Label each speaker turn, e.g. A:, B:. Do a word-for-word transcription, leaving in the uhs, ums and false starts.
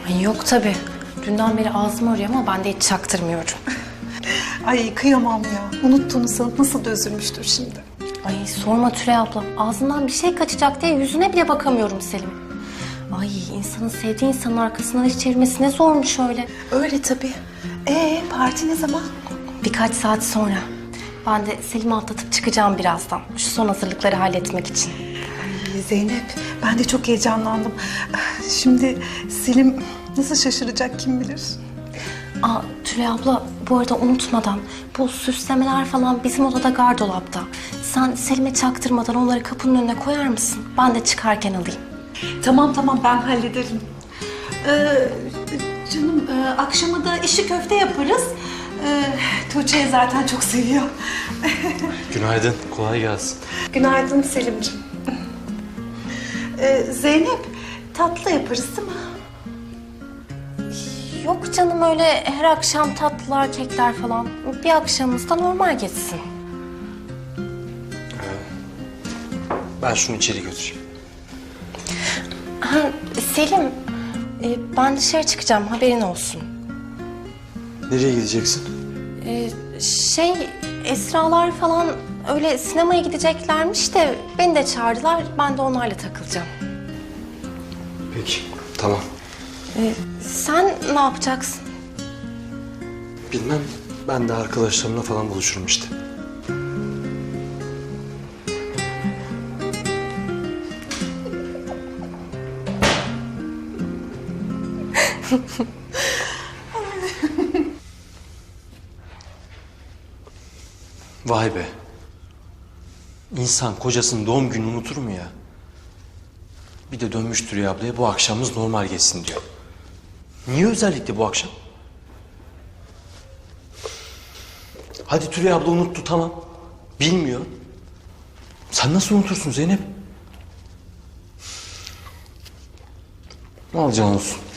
A: Ay yok tabii. Dünden beri ağzım arıyor ama ben de hiç çaktırmıyorum.
B: Ay kıyamam ya. Unuttuğunu sanıp nasıl da üzülmüştür şimdi.
A: Ay sorma Tülay abla. Ağzından bir şey kaçacak diye yüzüne bile bakamıyorum Selim. Ay insanın sevdiği insanın arkasından iş çevirmesi ne zormuş öyle.
B: Öyle tabii. Ee parti ne zaman?
A: Birkaç saat sonra. Ben de Selim'i atlatıp çıkacağım birazdan. Şu son hazırlıkları halletmek için.
B: Ay Zeynep, ben de çok heyecanlandım. Şimdi Selim nasıl şaşıracak kim bilir?
A: Aa Tülay abla bu arada unutmadan bu süslemeler falan bizim odada gardolapta. Sen Selim'e çaktırmadan onları kapının önüne koyar mısın? Ben de çıkarken alayım.
B: Tamam tamam ben hallederim. Ee, canım e, akşama da işi köfte yaparız. Ee, Tuğçe zaten çok seviyor.
C: Günaydın, kolay gelsin.
B: Günaydın Selimciğim. Ee, Zeynep tatlı yaparız değil mi?
A: Yok canım öyle her akşam tatlılar, kekler falan. Bir akşamımız da normal geçsin.
C: Ben şunu içeri götüreyim.
A: Ha, Selim, e, ben dışarı çıkacağım haberin olsun.
C: Nereye gideceksin?
A: E, şey, Esralar falan öyle sinemaya gideceklermiş de beni de çağırdılar. Ben de onlarla takılacağım.
C: Peki, tamam.
A: E, sen ne yapacaksın?
C: Bilmem, ben de arkadaşlarımla falan buluşurum işte. Vay be. İnsan kocasının doğum gününü unutur mu ya? Bir de dönmüş Tülay ablaya bu akşamımız normal geçsin diyor. Niye özellikle bu akşam? Hadi Tülay abla unuttu tamam. Bilmiyor. Sen nasıl unutursun Zeynep? Al can olsun.